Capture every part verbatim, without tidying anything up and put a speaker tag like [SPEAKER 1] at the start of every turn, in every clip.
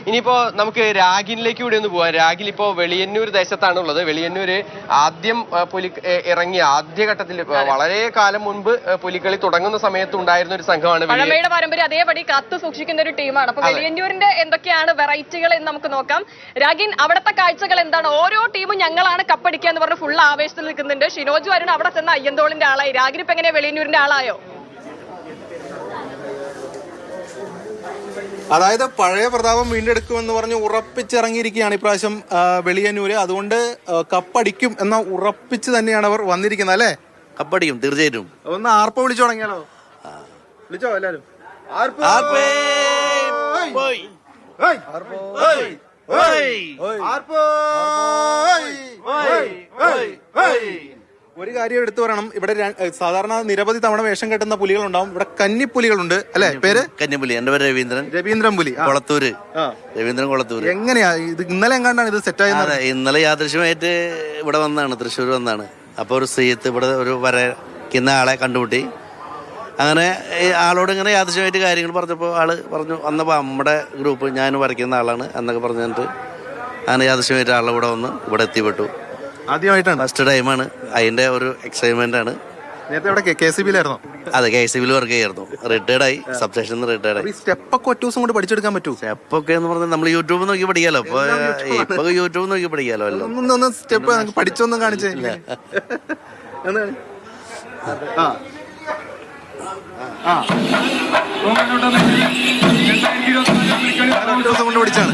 [SPEAKER 1] ഇനിയിപ്പോ നമുക്ക് രാഗിനിലേക്ക് കൂടി ഒന്ന് പോവാം. രാഗിൽ ഇപ്പോ വെളിയന്നൂർ ദേശത്താണ് ഉള്ളത്. വെളിയന്നൂര് ആദ്യം പുലി ഇറങ്ങിയ ആദ്യഘട്ടത്തിൽ വളരെ കാലം മുൻപ് പുലിക്കളി തുടങ്ങുന്ന സമയത്ത് ഉണ്ടായിരുന്ന ഒരു സംഘമാണ്.
[SPEAKER 2] പഴമയുടെ പാരമ്പര്യം അതേപടി കാത്തു സൂക്ഷിക്കുന്ന ഒരു ടീമാണ്. അപ്പൊ വെളിയന്നൂരിന്റെ എന്തൊക്കെയാണ് വെറൈറ്റികൾ എന്ന് നമുക്ക് നോക്കാം. രാഗിൻ, അവിടുത്തെ കാഴ്ചകൾ എന്താണ്? ഓരോ ടീമും ഞങ്ങളാണ് കപ്പടിക്കുക എന്ന് പറഞ്ഞ് ഫുൾ ആവേശത്തിൽ നിൽക്കുന്നുണ്ട്. ഷിനോജ് വരുൺ അവിടെ ചെന്ന അയ്യന്തോളിന്റെ ആളായി. രാഗിൻ ഇപ്പൊ എങ്ങനെയാ വെളിയന്നൂരിന്റെ ആളായോ?
[SPEAKER 3] അതായത് പഴയ പ്രതാപം വീണ്ടെടുക്കുമെന്ന് പറഞ്ഞ് ഉറപ്പിച്ചിറങ്ങിയിരിക്കുകയാണ് ഇപ്രാവശ്യം വെളിയന്നൂര്. അതുകൊണ്ട് കപ്പടിക്കും എന്ന ഉറപ്പിച്ച് തന്നെയാണ് അവർ വന്നിരിക്കുന്നത് അല്ലേ?
[SPEAKER 4] കപ്പടിക്കും തീർച്ചയായിട്ടും.
[SPEAKER 3] ഒന്ന് ആർപ്പ വിളിച്ചു തുടങ്ങിയാലോ? വിളിച്ചോ എല്ലാരും? ഒരു കാര്യം എടുത്തു പറയണം, ഇവിടെ സാധാരണ നിരവധി തവണ വേഷം കെട്ടുന്ന പുലികളുണ്ടാവും. ഇവിടെ കന്നിപ്പുലികളുണ്ട് അല്ലെ? പേര്
[SPEAKER 4] കന്നിപ്പുലി. എന്റെ പേര് രവീന്ദ്രൻ.
[SPEAKER 3] രവീന്ദ്രൻ പുലി,
[SPEAKER 4] കൊളത്തൂര്. രവീന്ദ്രൻ കൊളത്തൂര്.
[SPEAKER 3] എങ്ങനെയാ ഇത്? ഇന്നലെ എങ്ങാണ്ടാണ് ഇത് സെറ്റ് ആയത്?
[SPEAKER 4] ഇന്നലെ യാദൃശ്യമായിട്ട് ഇവിടെ വന്നാണ്, തൃശ്ശൂർ വന്നാണ്. അപ്പൊ ഒരു സ്ത്രീയത്ത് ഇവിടെ ഒരു വരയ്ക്കുന്ന ആളെ കണ്ടുമുട്ടി. അങ്ങനെ ആളോട് ഇങ്ങനെ യാദൃശ്യമായിട്ട് കാര്യങ്ങൾ പറഞ്ഞപ്പോൾ ആള് പറഞ്ഞു, വന്നപ്പോൾ നമ്മുടെ ഗ്രൂപ്പ് ഞാൻ വരയ്ക്കുന്ന ആളാണ് എന്നൊക്കെ പറഞ്ഞിട്ട് അങ്ങനെ യാദൃശ്യമായിട്ട് ആളുടെ കൂടെ വന്ന് ഇവിടെ എത്തിപ്പെട്ടു.
[SPEAKER 3] ആദ്യമായിട്ടാണ്,
[SPEAKER 4] ഫസ്റ്റ് ടൈമാണ്. അതിന്റെ ഒരു എക്സൈറ്റ്മെന്റ് ആണ്.
[SPEAKER 3] നേരത്തെ ഇവിടെ കെ സി ബിയിലായിരുന്നു?
[SPEAKER 4] അതെ, കെ സി ബിയിൽ വർക്ക് ചെയ്യായിരുന്നു. റിട്ടയർഡ് ആയി, സബ് സ്റ്റേഷനിൽ നിന്ന് റിട്ടയർഡ് ആയി.
[SPEAKER 3] സ്റ്റെപ്പൊക്കെ ഒറ്റ ദിവസം കൊണ്ട് പഠിച്ചെടുക്കാൻ പറ്റൂ?
[SPEAKER 4] സ്റ്റെപ്പൊക്കെ എന്ന് പറഞ്ഞാൽ നമ്മൾ യൂട്യൂബ് നോക്കി പഠിക്കാലോ. ഇപ്പൊ ഇപ്പൊ യൂട്യൂബ് നോക്കി പഠിക്കാലോ.
[SPEAKER 3] അല്ലോ സ്റ്റെപ്പ് പഠിച്ചൊന്നും കാണിച്ചേ? ദിവസം കൊണ്ട് പഠിച്ചാണ്.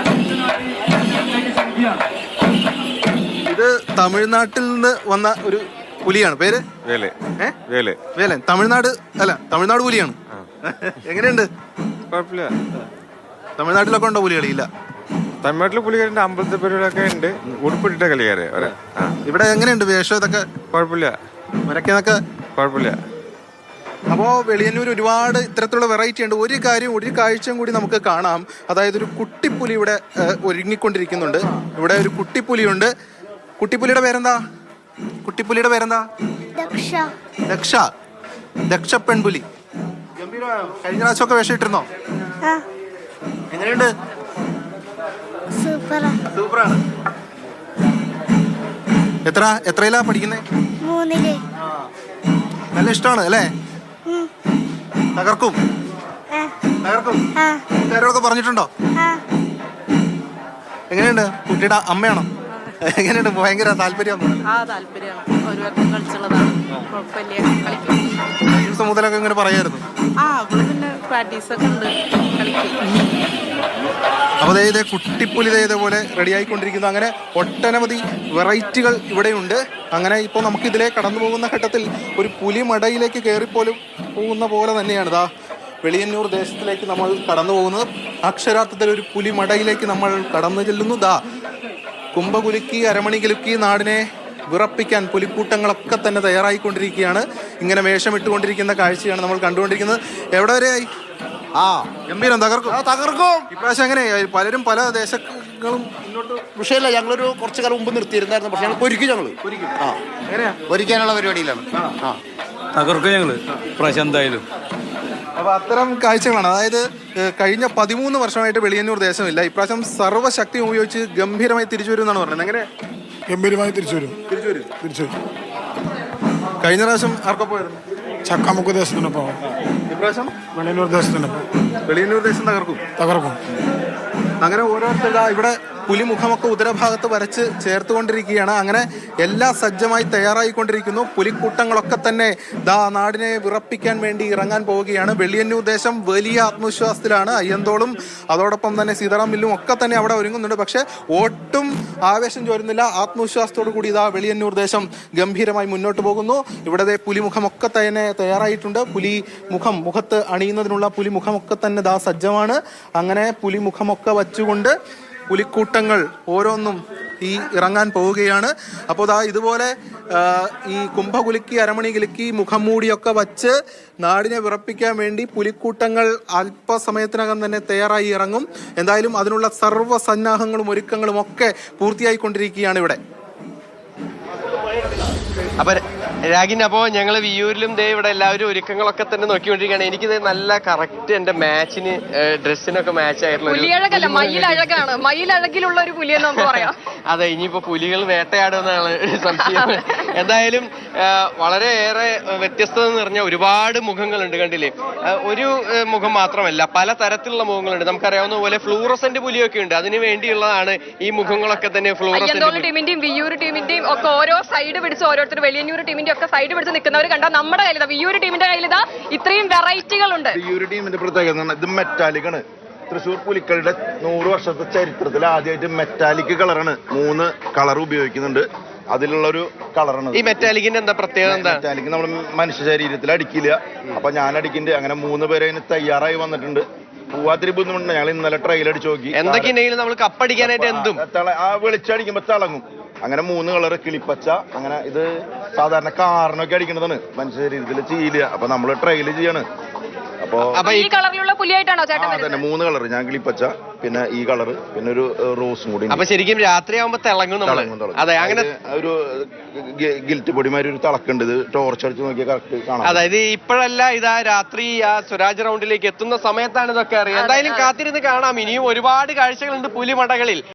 [SPEAKER 3] ഇത് തമിഴ്നാട്ടിൽ നിന്ന് വന്ന ഒരു പുലിയാണ്. പേര് വേലൻ. തമിഴ്നാട് അല്ല, തമിഴ്നാട് പുലിയാണ്. എങ്ങനെയുണ്ട്?
[SPEAKER 5] കുഴപ്പമില്ല.
[SPEAKER 3] തമിഴ്നാട്ടിലൊക്കെ ഉണ്ടോ പുലികളി? ഇല്ല,
[SPEAKER 5] തമിഴ്നാട്ടിലെ പുലികളുണ്ട്, അമ്പലത്തെ പരിപാടികളൊക്കെ ഉണ്ട്. ഉടുപ്പിട്ടിട്ട കളിക്കാരെ.
[SPEAKER 3] ഇവിടെ എങ്ങനെയുണ്ട് വേഷം? ഇതൊക്കെ
[SPEAKER 5] കുഴപ്പമില്ല,
[SPEAKER 3] വരയ്ക്കുന്നതൊക്കെ
[SPEAKER 5] കുഴപ്പമില്ല.
[SPEAKER 3] അപ്പോൾ വെളിയന്നൂർ ഒരുപാട് ഇത്തരത്തിലുള്ള വെറൈറ്റി ഉണ്ട്. ഒരു കാര്യം, ഒരു കാഴ്ചയും കൂടി നമുക്ക് കാണാം. അതായത് ഒരു കുട്ടിപ്പുലി ഇവിടെ ഒരുങ്ങിക്കൊണ്ടിരിക്കുന്നുണ്ട്. ഇവിടെ ഒരു കുട്ടിപ്പുലിയുണ്ട്. കുട്ടിപ്പുലിയുടെ പേരെന്താ? കുട്ടിപ്പുലിയുടെ പേരെന്താ? ദക്ഷ. ദക്ഷ പെൺപുലി. ഗംഭീരമാണോ? കഴിഞ്ഞ പ്രാവശ്യമൊക്കെ വേഷം ഇട്ടിരുന്നോ? എങ്ങനെയുണ്ട്? സൂപ്പറാണ്. എത്ര എത്രയിലാ പഠിക്കുന്നേ?
[SPEAKER 6] മൂന്നില്.
[SPEAKER 3] നല്ല ഇഷ്ടമാണ് അല്ലേ? തകർക്കും തകർക്കും കൂട്ടുകാരോടൊക്കെ പറഞ്ഞിട്ടുണ്ടോ? എങ്ങനെയുണ്ട്? കുട്ടിയുടെ അമ്മയാണോ? എങ്ങനെയുണ്ട്? ഭയങ്കര താല്പര്യം ദിവസം മുതലൊക്കെ ഇങ്ങനെ പറയായിരുന്നു. അപ്പോൾ ഇതേ കുട്ടിപ്പുലി ഇതേപോലെ റെഡി ആയിക്കൊണ്ടിരിക്കുന്നു. അങ്ങനെ ഒട്ടനവധി വെറൈറ്റികൾ ഇവിടെയുണ്ട്. അങ്ങനെ ഇപ്പോൾ നമുക്ക് ഇതിലെ കടന്നു പോകുന്ന ഘട്ടത്തിൽ ഒരു പുലിമടയിലേക്ക് കയറിപ്പോലും പോകുന്ന പോലെ തന്നെയാണ് ഇതാ വെളിയന്നൂർ ദേശത്തിലേക്ക് നമ്മൾ കടന്നു പോകുന്നത്. അക്ഷരാർത്ഥത്തിൽ ഒരു പുലിമടയിലേക്ക് നമ്മൾ കടന്നു ചെല്ലുന്നു. ദാ കുംഭകുലുക്കി അരമണി കുലുക്കി നാടിനെ വിറപ്പിക്കാൻ പുലിക്കൂട്ടങ്ങളൊക്കെ തന്നെ തയ്യാറായിക്കൊണ്ടിരിക്കുകയാണ്. ഇങ്ങനെ വേഷമിട്ടുകൊണ്ടിരിക്കുന്ന കാഴ്ചയാണ് നമ്മൾ കണ്ടുകൊണ്ടിരിക്കുന്നത്. എവിടെ വരെയായി? ആ ഗംഭീരം. തകർക്കും തകർക്കും ഇപ്രാവശ്യം എങ്ങനെയായി? പലരും പല ദേശങ്ങളും മുന്നോട്ട്
[SPEAKER 7] വിഷയമില്ല. ഞങ്ങളൊരു കുറച്ചു കാലം മുമ്പ് നിർത്തിയിരുന്നായിരുന്നു. പക്ഷെ ഞങ്ങൾ പൊരിക്കും. ഞങ്ങൾ
[SPEAKER 3] ആ എങ്ങനെയാ
[SPEAKER 7] പൊരിക്കാനുള്ള പരിപാടിയിലാണ്. ആ
[SPEAKER 8] തകർക്കും ഞങ്ങള് ഇപ്രാവശ്യം എന്തായാലും.
[SPEAKER 3] അപ്പൊ അത്തരം കാഴ്ചകളാണ്. അതായത് കഴിഞ്ഞ പതിമൂന്ന് വർഷമായിട്ട് വെളിയന്നൂർ ദേശമില്ല. ഇപ്രാവശ്യം സർവ്വശക്തി ഉപയോഗിച്ച് ഗംഭീരമായി തിരിച്ചു വരും എന്നാണ് പറയുന്നത്. എങ്ങനെ?
[SPEAKER 9] ഗംഭീരമായി തിരിച്ചു വരും.
[SPEAKER 3] തിരിച്ചു വരും
[SPEAKER 9] തിരിച്ചു വരും.
[SPEAKER 3] കഴിഞ്ഞ പ്രാവശ്യം ആർക്കൊപ്പമായിരുന്നു?
[SPEAKER 9] ചക്കാമുക്ക് ദേശത്തിനൊപ്പം.
[SPEAKER 3] ഇപ്രാവശ്യം
[SPEAKER 9] വെളിയന്നൂർ ദേശത്തിനൊപ്പം.
[SPEAKER 3] വെളിയന്നൂർ ദേശം തകർക്കും
[SPEAKER 9] തകർക്കും.
[SPEAKER 3] അങ്ങനെ ഓരോരുത്തർ ഇവിടെ പുലിമുഖമൊക്കെ ഉദരഭാഗത്ത് വരച്ച് ചേർത്തുകൊണ്ടിരിക്കുകയാണ്. അങ്ങനെ എല്ലാം സജ്ജമായി തയ്യാറായിക്കൊണ്ടിരിക്കുന്നു. പുലിക്കൂട്ടങ്ങളൊക്കെ തന്നെ ദാ നാടിനെ വിറപ്പിക്കാൻ വേണ്ടി ഇറങ്ങാൻ പോവുകയാണ്. വെളിയന്നൂർ ദേശം വലിയ ആത്മവിശ്വാസത്തിലാണ്. അയ്യന്തോളും അതോടൊപ്പം തന്നെ സീതാറാം മില്ലും ഒക്കെ തന്നെ അവിടെ ഒരുങ്ങുന്നുണ്ട്. പക്ഷെ ഒട്ടും ആവേശം ചോരുന്നില്ല. ആത്മവിശ്വാസത്തോടു കൂടി ഇതാ വെളിയന്നൂർ ദേശം ഗംഭീരമായി മുന്നോട്ട് പോകുന്നു. ഇവിടെ പുലിമുഖമൊക്കെ തന്നെ തയ്യാറായിട്ടുണ്ട്. പുലി മുഖം മുഖത്ത് അണിയുന്നതിനുള്ള പുലിമുഖമൊക്കെ തന്നെ ദാ സജ്ജമാണ്. അങ്ങനെ പുലിമുഖമൊക്കെ വച്ചുകൊണ്ട് പുലിക്കൂട്ടങ്ങൾ ഓരോന്നും ഈ ഇറങ്ങാൻ പോവുകയാണ്. അപ്പോൾ ദാ ഇതുപോലെ ഈ കുംഭകുലുക്കി അരമണി കുലുക്കി മുഖം മൂടിയൊക്കെ വച്ച് നാടിനെ വിറപ്പിക്കാൻ വേണ്ടി പുലിക്കൂട്ടങ്ങൾ അല്പസമയത്തിനകം തന്നെ തയ്യാറായി ഇറങ്ങും. എന്തായാലും അതിനുള്ള സർവ്വ സന്നാഹങ്ങളും ഒരുക്കങ്ങളും ഒക്കെ പൂർത്തിയായിക്കൊണ്ടിരിക്കുകയാണ് ഇവിടെ.
[SPEAKER 1] അപ്പൊ രാഗിൻ, അപ്പോ ഞങ്ങൾ വിയൂരിലും ദേ ഇവിടെ എല്ലാവരും ഒരുക്കങ്ങളൊക്കെ തന്നെ നോക്കിക്കൊണ്ടിരിക്കുകയാണ്. എനിക്കിത് നല്ല കറക്റ്റ് എന്റെ മാച്ചിന് ഡ്രസ്സിനൊക്കെ മാച്ച് ആയിട്ടുള്ള ഒരു
[SPEAKER 2] പുലിയഴകല്ല, മയിലഴകാണ്. മയിലഴകിലുള്ള ഒരു പുലിയെന്ന് നമുക്ക് പറയാം.
[SPEAKER 1] അതെ, ഇനിയിപ്പോ പുലികൾ വേട്ടയാടുമെന്നാണ് സംശയം. എന്തായാലും ആ, വളരെയേറെ വ്യത്യസ്തത നിറഞ്ഞ ഒരുപാട് മുഖങ്ങളുണ്ട്. കണ്ടില്ലേ, ആ, ഒരു ആ, മുഖം മാത്രമല്ല, പല തരത്തിലുള്ള മുഖങ്ങളുണ്ട്. നമുക്കറിയാവുന്ന പോലെ ഫ്ലൂറസെന്റ് പുലിയൊക്കെ ഉണ്ട്. അതിന് വേണ്ടിയുള്ളതാണ് ഈ മുഖങ്ങളൊക്കെ തന്നെ.
[SPEAKER 2] അയ്യന്തോൾ
[SPEAKER 1] ഫ്ലൂറസെന്റ്
[SPEAKER 2] ടീമിന്റെയും വിയൂർ ടീമിന്റെയും ഒക്കെ ഓരോ സൈഡ് പിടിച്ച് ഓരോരുത്തർ വെളിയന്നൂർ ടീമിന്റെ ഒക്കെ സൈഡ് പിടിച്ച് നിൽക്കുന്നവർ കണ്ടാൽ നമ്മുടെ കയ്യിൽ വിയൂർ ടീമിന്റെ കയ്യിൽ ഇതാ ഇത്രയും വെറൈറ്റികളുണ്ട്.
[SPEAKER 6] ഈ ഒരു ടീമിന്റെ പ്രത്യേകത എന്ന് പറഞ്ഞാൽ ഇത് മെറ്റാലിക് ആണ്. തൃശ്ശൂർ പുലിക്കളിയുടെ നൂറ് വർഷത്തെ ചരിത്രത്തിൽ ആദ്യമായിട്ട് മെറ്റാലിക് കളറാണ്. മൂന്ന് കളർ ഉപയോഗിക്കുന്നുണ്ട്. അതിലുള്ള ഒരു കളറാണ്
[SPEAKER 1] ഈ മെറ്റാലിക്കിന്റെ എന്താ പ്രത്യേകത? എന്താ
[SPEAKER 6] മെറ്റാലിക് നമ്മൾ മനുഷ്യ ശരീരത്തിൽ അടിക്കില്ല. അപ്പൊ ഞാൻ അടിക്കുന്നുണ്ട്. അങ്ങനെ മൂന്ന് പേര് അതിന് തയ്യാറായി വന്നിട്ടുണ്ട്. പൂവാത്തിരി ബുദ്ധിമുട്ടുണ്ട്. ഞങ്ങൾ ഇന്നലെ ട്രയൽ അടിച്ചു നോക്കി.
[SPEAKER 1] എന്തൊക്കെയുണ്ടെങ്കിലും നമ്മൾ കപ്പടിക്കാനായിട്ട് എന്തും
[SPEAKER 6] ആ വെളിച്ചടിക്കുമ്പോ തിളങ്ങും. അങ്ങനെ മൂന്ന് കളർ, കിളിപ്പച്ച. അങ്ങനെ ഇത് സാധാരണ കാറിനൊക്കെ അടിക്കുന്നതാണ്, മനുഷ്യ ശരീരത്തിൽ ചെയ്യില്ല. അപ്പൊ നമ്മൾ ട്രയൽ ചെയ്യാണ്. അപ്പൊ
[SPEAKER 2] അപ്പൊ ഈ കളറിലുള്ള പുലിയായിട്ടാണോ ചേട്ടൻ
[SPEAKER 6] തന്നെ
[SPEAKER 2] വരുന്നത്?
[SPEAKER 6] മൂന്ന് കളർ, ഞാൻ കിളിപ്പച്ച, പിന്നെ ഈ കളർ, പിന്നെ ഒരു റോസും കൂടി.
[SPEAKER 1] അപ്പൊ ശരിക്കും രാത്രിയാകുമ്പോ തിളങ്ങും നമ്മള്. അതെ, അങ്ങനെ
[SPEAKER 6] ഒരു ഗിൽറ്റ് പൊടിമാരി ഒരു തിളക്കുണ്ട്. ഇത് ടോർച്ച് അടിച്ച് നോക്കിയാൽ കറക്റ്റ് കാണാം.
[SPEAKER 1] അതായത് ഇപ്പോഴല്ല, ഇതാ രാത്രി ആ സ്വരാജ് റൗണ്ടിലേക്ക് എത്തുന്ന സമയത്താണ് ഇതൊക്കെ അറിയാം. എന്തായാലും കാത്തിരുന്ന് കാണാം. ഇനിയും ഒരുപാട് കാഴ്ചകളുണ്ട് പുലിമടകളിൽ.